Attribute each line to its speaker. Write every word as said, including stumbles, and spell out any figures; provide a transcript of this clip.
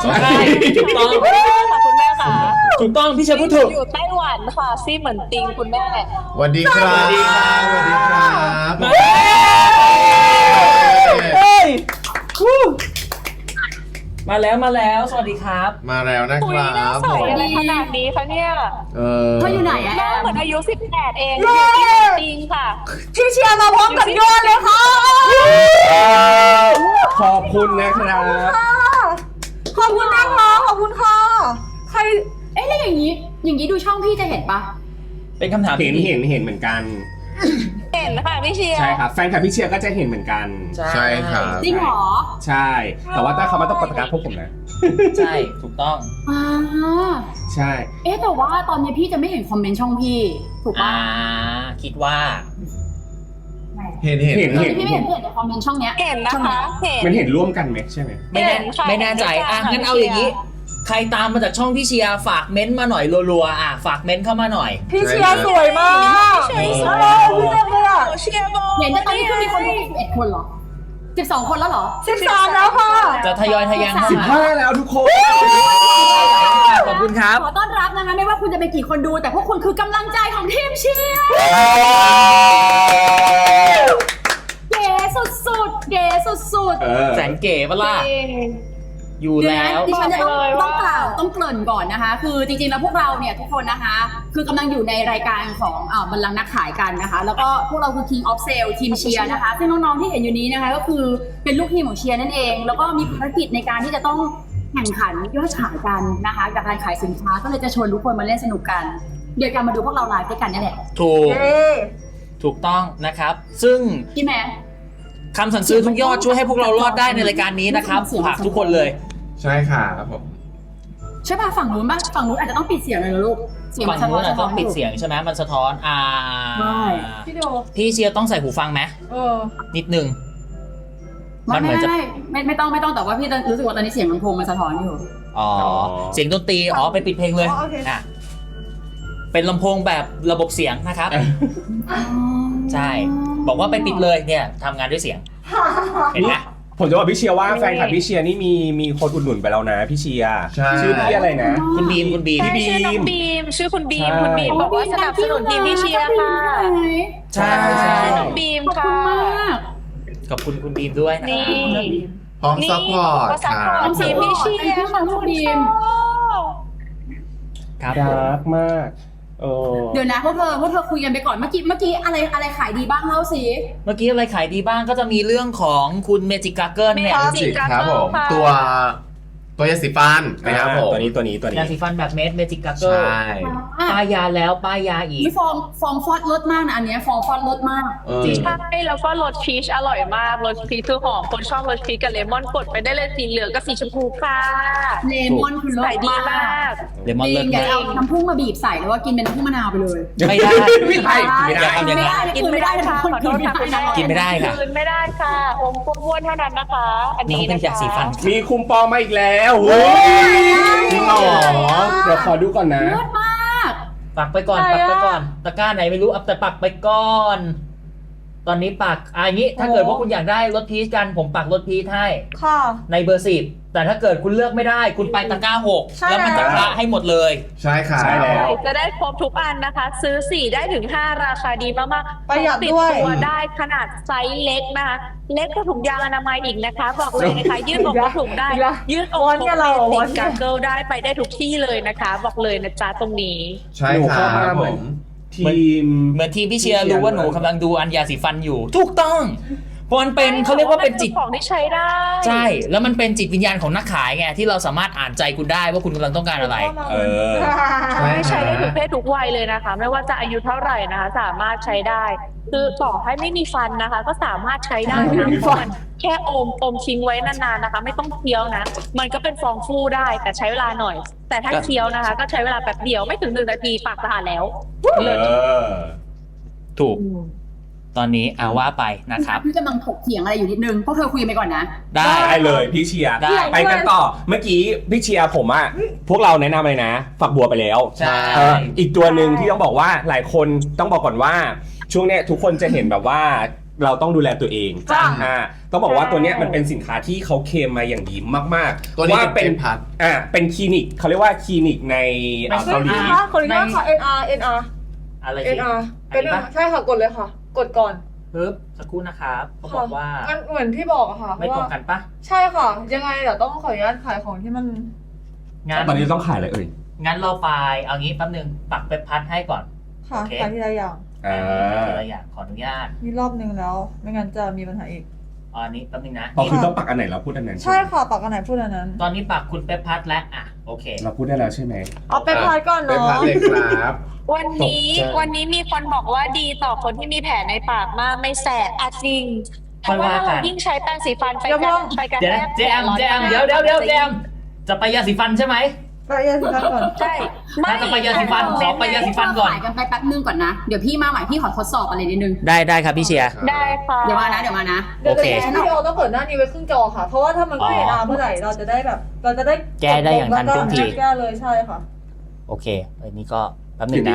Speaker 1: ใช่ถูกต้อง
Speaker 2: ค่ะคุณแม่ค่ะ
Speaker 1: ถูกต้องพี่เชียร์พูดถูก
Speaker 2: อยู่ไต้หวันค่ะซี่เหมือนติงคุณแม่
Speaker 3: สวัสดีครับสวัสดีครับสวัสดีครับ
Speaker 1: เฮ้ยมาแล้วมาแล้วสวัสดีครับ
Speaker 3: มาแล้วนะค
Speaker 2: คุย
Speaker 3: รั
Speaker 2: หน้า
Speaker 3: บ
Speaker 2: ใสอะไรขนาดนี้คะเนี่ย
Speaker 3: เออ
Speaker 4: เธออยู่ไหนอะ
Speaker 2: หน้าเหมือนอายุสิบแปดเองอยู่ที่เหมือนติงค่ะ
Speaker 4: พี่เชียร์มาพร้อมกับยอดเลยค่ะ
Speaker 1: ขอบคุณนะครับ
Speaker 4: ขอบคุณนะคะขอบคุณค่ะใครเอ๊ะแล้วอย่างนี้ อย่างนี้ดูช่องพี่จะเห็นปะ
Speaker 1: เป็นคำถาม
Speaker 5: เห็น
Speaker 1: ที่
Speaker 5: เห็นเห็นเหมือนกัน
Speaker 2: เห็นค่ะพี่เชียร์
Speaker 5: ใช่ครับแฟนคลับพี่เชียร์ก็จะเห็นเหมือนกัน
Speaker 3: ใช่ครับ
Speaker 4: จริงเหรอ
Speaker 5: ใช่ แต่ว่าถ้าเขามาต้องปฏิกาพวกผมนะ
Speaker 1: ใช่ถูกต้อง
Speaker 4: อ่า
Speaker 5: ใช่
Speaker 4: เอ๊ะแต่ว่าตอนนี้พี่จะไม่เห็นคอมเมนต์ช่องพี่ถูกปะ
Speaker 1: อ่าคิดว่า
Speaker 3: เห็นเห็น
Speaker 5: เห็น
Speaker 4: ตอน
Speaker 5: เห็
Speaker 4: นี้
Speaker 5: น
Speaker 4: พี่ไม่เห็นพี่เห็นแต่คอมเมนต์ช่องเนี้ย
Speaker 2: เห็นนะคะเห็น
Speaker 5: มันเห็นร่วมกันไหมใช่ไหม
Speaker 1: ไม่แน่
Speaker 2: เห็นค่ะ
Speaker 1: ไม่แน่ใจ
Speaker 2: เห็นค่ะ
Speaker 1: อ่ะงั้นเอาอย่างนี้ ใครตามมาจากช่องพี่เชียร์ฝากเม้นต์มาหน่อยรัวๆอ่ะฝากเม้นต์เข้ามาหน่อย
Speaker 4: พี่เชียร์สวยมาก
Speaker 2: เชียร์ส
Speaker 4: เอ
Speaker 2: วย
Speaker 4: อพี่เต็มเลยอ่ะ
Speaker 2: เชียร์บอล
Speaker 4: เห็นแต่ตอนนี้เพิ่งมีคนดูสิบเอ็ดคนเหรอสิบสองคนแล้วเหรอ
Speaker 2: สิบสามแล้วค่ะ
Speaker 1: จะทยอยทะยานเข้า
Speaker 5: สิบ
Speaker 1: มา
Speaker 5: ห้าแล้วทุกคน
Speaker 1: ขอบคุณครับ
Speaker 4: ขอต้อนรับนะคะไม่ว่าคุณจะเป็นกี่คนดูแต่พวกคุณคือกำลังใจของทีมเชียร์เก๋สุดๆเก๋สุด
Speaker 5: เออ
Speaker 1: แสนเก๋ปะล่ะ
Speaker 2: จริง
Speaker 1: อยู่
Speaker 4: ๆ
Speaker 1: แล้ว
Speaker 4: ดิฉันจะต้อง
Speaker 2: บอกเลย
Speaker 4: ต้อง
Speaker 2: ว่า
Speaker 4: กล่าวต้องเกริ่นก่อนนะคะ คือจริงๆแล้วพวกเราเนี่ยทุกคนนะคะ คือกำลังอยู่ในรายการของอ่าบัลลังก์นักขายกันนะคะ แล้วก็พวกเราคือ King of Sale ทีมเชียร์นะคะซึ่งน้องๆที่เห็นอยู่นี้นะคะก็คือเป็นลูกทีมของเชียร์นั่นเอง แล้วก็มีภารกิจในการที่จะต้องแข่งขันยอดขายกันนะคะกับการขายสินค้าก็เลยจะชวนทุกคนมาเล่นสนุกกันเดี๋ยวกันมาดูพวกเราไลฟ์ด้วยกันนี่แหละ
Speaker 1: ถูก ถูกต้องนะครับ ซึ่ง
Speaker 4: พี่แม่
Speaker 1: คำสั่งซื้อทุกยอดช่วยให้พวกเรารอดได้ในรายการนี้นะครับฝากทุกคนเลย
Speaker 3: ใช่ครับผม
Speaker 4: ใช่ป่ะฝั่งนู้นป่ะฝั่งนู้นอาจจะต้องปิดเสียงเลยนะลูกเสียง
Speaker 1: ฝั่
Speaker 4: มั
Speaker 1: ง
Speaker 4: นสะท้
Speaker 1: นู้
Speaker 4: อน
Speaker 1: น
Speaker 4: สะ
Speaker 1: อะ
Speaker 4: ท้
Speaker 1: ต้
Speaker 4: อ
Speaker 1: อน งปิด
Speaker 4: อยู่
Speaker 1: เสียงใช่ไหมมันสะท้อนอ่า
Speaker 4: ใช่
Speaker 2: พี่โด
Speaker 1: พี่เชียร์ต้องใส่หูฟังไหม
Speaker 2: เออ
Speaker 1: นิดนึง
Speaker 4: ไม่
Speaker 1: มันเหมื
Speaker 4: ไม่
Speaker 1: อนจะ
Speaker 4: ไม่ไม่ไม่ต้องไม่ต้องแต่ว่าพี่รู้สึกว่าตอนนี้เสียงลำโพงมันสะท้อนอยู่
Speaker 1: อ๋อเสียงดนตรีอ๋อไปปิดเพลงเลยอ่ะเป็นลำโพงแบบระบบเสียงนะครับ ใช่ บอกว่าไปปิดเลยเนี่ยทำงานด้วยเสียง เห็นไหม
Speaker 5: ผมจะบอกพี่เชียร์ว่าแฟนคลับพี่เชียร์นี่มีมีคนอุดหนุนไปแล้วนะพี่เชียร์
Speaker 3: ใช่
Speaker 5: ชื่อพี่อะไรนะ
Speaker 1: คุณบีมคุณบีม
Speaker 2: ใช่ชื่อน้องบีม ชื่อคุณบีม
Speaker 5: ใช่
Speaker 2: คุณบีมบอกว่าสนับสนุนทีมพี่เชียร์ค่ะ
Speaker 1: ใช่
Speaker 2: ชื่อน้องบีม
Speaker 4: ขอบ
Speaker 2: ค่ะ
Speaker 4: คุณมาก
Speaker 1: ขอบคุณคุณบีมด้วยนะ
Speaker 2: นี่
Speaker 3: พร้อมซัพพอร์ต
Speaker 2: ก็ซัพ
Speaker 3: ค
Speaker 2: พอ
Speaker 3: รั
Speaker 2: ร์
Speaker 3: บ
Speaker 2: ตทีมพี่เชียร์ค่ะคุณบีม
Speaker 1: ครับ
Speaker 5: ดาร์กมากเออ
Speaker 4: เดี๋ยวนะพวกเธอพวกเธอคุยกันไปก่อนเมื่อกี้เมื่อกี้อะไรอะไรขายดีบ้างเล่าสิ
Speaker 1: เมื่อกี้อะไรขายดีบ้างก็จะมีเรื่องของคุณเมจิกาเกิลเนี่ย
Speaker 3: จิกครับผมตัวตัวยาสีฟันนะครับผม
Speaker 5: ตัวนี้ตัวนี้ตัวนี้
Speaker 1: ยาสีฟันแบบเม็ดเมจิกาเกิ
Speaker 3: ใช่
Speaker 1: ลป้ายยาแล้วป้ายยาอีก
Speaker 4: นี่ฟองฟองฟอดรสมากนะอันเนี้ยฟองฟอดรสมาก
Speaker 3: เออ
Speaker 1: จริง
Speaker 2: ใช่แล้วก็รสพีชอร่อยมากรสพีชคือหอมคนชอบรสพีชกับเลมอนกดไปได้เลยสีเหลืองกับสีชมพูค่ะ
Speaker 4: เลมอนคือรส
Speaker 2: ขายดีมาก
Speaker 1: เลมอน
Speaker 4: จ
Speaker 1: เลิ
Speaker 4: ริ
Speaker 1: ศ
Speaker 4: งอย่าม
Speaker 1: าก
Speaker 4: เอาน้ำผึ้งมาบีบใส่แล้วว่ากินเป็นน้ำผึ้งมะนาวไปเลย
Speaker 1: ไม่ได้
Speaker 5: ไม่ได้ไม่ได้
Speaker 1: ทำอย่างนั้น
Speaker 4: กินไม่ได้
Speaker 2: ค่ะ
Speaker 4: คน
Speaker 2: ขอโท
Speaker 4: กิน
Speaker 2: ษ
Speaker 4: ไม่
Speaker 2: ค่ะ
Speaker 4: ได้
Speaker 2: คุณแม่
Speaker 1: กินไม่ได้ค่ะ
Speaker 2: คืนไม่ได้ค่ะอมอ้วนๆเท่านั้นนะคะ อัน
Speaker 1: น้อ
Speaker 2: นี้
Speaker 1: งเป็
Speaker 2: นะ
Speaker 1: นยา
Speaker 2: คะ
Speaker 1: สีฟัน
Speaker 5: มีคุมปอมมาอีกแล้วโอ้ยจริงเหรอเดี๋ยวขอดูก่อนนะ
Speaker 4: รสมาก
Speaker 1: ปักไปก่อนปักไปก่อนตะกร้าไหนไม่รู้เอาแต่ปักไปก่อน ตอนนี้ปักอ่ะอย่างนี้ถ้าเกิดว่าคุณอยากได้รถพีชกันผมปักรถพีชให้
Speaker 6: ค่ะ
Speaker 1: ในเบอร์สิบแต่ถ้าเกิดคุณเลือกไม่ได้ คุณไปตะกร้าหก
Speaker 6: ใช่
Speaker 1: แล้วมันจะ
Speaker 6: แล้ว
Speaker 1: พระให้หมดเลย
Speaker 3: ใช่ครับ
Speaker 5: ใช่แล้ว
Speaker 2: จะได้ครบทุกอันนะคะ ซื้อสี่ได้ถึงห้าราคาดีมากๆ
Speaker 6: ประหยัด
Speaker 2: ติด
Speaker 6: ด้วย
Speaker 2: ตัวได้ขนาดไซส์เล็กนะคะ เล็กกว่าถุงยางอนามัยอีกนะคะ บอกเลยนะคะ ยืดอกก็ถุงได้ ยืดอก
Speaker 6: วันเนี่ยเรา
Speaker 2: ติ
Speaker 6: วั
Speaker 2: ด
Speaker 6: นเนี่ย
Speaker 2: กังเกิลได้ไปได้ทุกที่เลยนะคะ บอกเลยนะจ๊ะตรงนี้
Speaker 3: ใช่
Speaker 5: หนู
Speaker 3: ครั
Speaker 5: เข้ามา
Speaker 3: บ
Speaker 5: เห
Speaker 3: ผ
Speaker 5: มือน
Speaker 3: ม
Speaker 5: ทีม
Speaker 1: เหมือนทีมพี่เชียร์รู้ว่าหนูกำลังดูอันยาสีฟันอยู่ ถูกต้องเพราะมันเป็นเขาเรียกว่าเป็นจิต
Speaker 2: ของที่ใช้ได้
Speaker 1: ใช่ แล้วมันเป็นจิตวิญญาณของนักขายไงที่เราสามารถอ่านใจคุณได้ว่าคุณกำลังต้องการอะไร
Speaker 5: เออ
Speaker 3: ใช่
Speaker 2: ใช้ได้ทุกเพศทุกวัยเลยนะคะ ไม่ว่าจะอายุเท่าไหร่นะคะ สามารถใช้ได้ คือต่อให้ไม่มีฟันนะคะ ก็สามารถใช้ได้นะเพราะมันแค่อมอมทิ้งไว้นานๆนะคะ ไม่ต้องเคี้ยวนะ มันก็เป็นฟองฟูได้แต่ใช้เวลาหน่อย แต่ถ้า
Speaker 1: ก็
Speaker 2: เคี้ยวนะคะ ก็ใช้เวลาแป๊บเดียวไม่ถึงหนึ่งนาทีปากสะอาดแล้ว
Speaker 5: เออ
Speaker 1: ถูก ตอนนี้เอาว่าไปนะครับ
Speaker 4: พี่กำลังถกเถียงอะไรอยู่นิดนึงพวกเธอคุยกันไปก่อนนะ
Speaker 1: ได้
Speaker 5: ได้เลยพี่เชียร์
Speaker 1: ได้
Speaker 5: ไปกันต่อเมื่อกี้พี่เชียร์ผมอะพวกเราแนะนำเลยนะ ฝักบัวไปแล้ว
Speaker 1: ใช่
Speaker 5: เอออีกตัวหนึ่งที่ต้องบอกว่าหลายคนต้องบอกก่อนว่า ช่วงเนี้ยทุกคนจะเห็นแบบว่า
Speaker 6: เราต้องดูแลตัวเอง
Speaker 7: จ้ะ
Speaker 6: อ่าต้องบอกว่าตัวเนี้ยมันเป็นสินค้าที่เขาเคลมมาอย่างดีมากๆ
Speaker 3: ตัวนี้
Speaker 6: ว่า
Speaker 3: เป็น
Speaker 6: เป็น
Speaker 3: พัด
Speaker 6: อ่าเป็นคลินิกเขาเรียกว่าคลินิกในเอ่อ
Speaker 7: เฮ้
Speaker 6: เกาย หลี
Speaker 7: พี่คะขออนุญาตค่ะ เอ็น อาร์ เอ็น อาร์
Speaker 1: อะไร
Speaker 7: เอ็
Speaker 1: สิ
Speaker 7: น อาร์
Speaker 1: อัน
Speaker 7: เป็น
Speaker 1: นี้ปะ
Speaker 7: ใช่ค่ะกดเลยค่ะ กดก่อน
Speaker 1: ปึ๊บสักครู่นะครับเขาบอกว่า
Speaker 7: มันเหมือนที่บอกอะค่ะ
Speaker 1: ไม่ตรง
Speaker 7: ว่า
Speaker 1: กันปะ
Speaker 7: ใช่ค่ะ ยังไงเดี๋ยวต้องขออนุญาตขายของที่มัน
Speaker 1: งั้น
Speaker 6: ตอนนี้ต้องขายอะไรเอ่ย
Speaker 1: งั้นเราไปเอางี้แป๊บนึงปักเว็บพัดให้ก่อน
Speaker 7: ค่ะ
Speaker 1: โอเค
Speaker 7: ขายทีละอย่าง
Speaker 6: อ่า
Speaker 1: ทีละอย่างขออนุญาต
Speaker 7: มีรอบนึงแล้ว ไม่งั้นจะมีปัญหาอีก
Speaker 1: อ๋ออันนี้แป๊บนึงนะ
Speaker 6: พอคือต้องปักอันไหนเราพูดอันนั้น
Speaker 7: ใช่ค่ะปากกันไหนพูดอันนั้น
Speaker 1: ตอนนี้ปักคุณเป๊ปพัดและอ่ะโอเค
Speaker 6: เราพูดได้แล้วใช่ไหม
Speaker 7: เอาเป็นพายก่อน
Speaker 3: เป็น
Speaker 7: เนาะ
Speaker 3: พัดเลยครับ
Speaker 2: วันนี้
Speaker 6: ตกใจ
Speaker 2: วันนี้มีคนบอกว่าดีต่อคนที่มีแผลในปากมากไม่แสบอะจริงเพ
Speaker 1: ค่อย
Speaker 2: ราะว่า
Speaker 1: ว่ากัน
Speaker 2: เรายิ่งใช้แป้งสีฟันไป
Speaker 7: เดี๋ยว
Speaker 2: กั
Speaker 7: มอง
Speaker 2: ไปกัน
Speaker 1: เดี๋ยว
Speaker 2: แท
Speaker 1: นะ
Speaker 2: ก
Speaker 1: เจมเจมเดี๋ยวเดี๋ยวเดี๋ยวเจมจะไปยาสีฟันใช่ไหม
Speaker 7: ไปยาสีฟันก่อน
Speaker 2: ใช่ไม่
Speaker 1: น่าจะไปยาสีฟันขอไปยาสีฟันก่อน
Speaker 4: ขายกันไปแป๊บนึงก่อนนะ เดี๋ยวพี่มาใหม่พี่ขอทดสอบอะไรนิดนึง
Speaker 1: ได้ได้ครับพี่เชียร์
Speaker 2: ได้ค่ะ
Speaker 4: เดี๋ยวมานะเดี๋ยวมานะ
Speaker 7: เดี๋ยว
Speaker 1: โอเค
Speaker 7: จะวิดีโอต้องเปิดหน้านี้ไว้ครึ่งจอค่ะ เพราะว่าถ้ามันไม่เห็นอาเมื่อไหร่เราจะได้แบบ เราจะได้
Speaker 1: แก้ได้อย่างทันท่วงที
Speaker 7: แก้เลยใช่ค่ะ
Speaker 1: โอเคอันนี้ก็แป๊บนึงนะ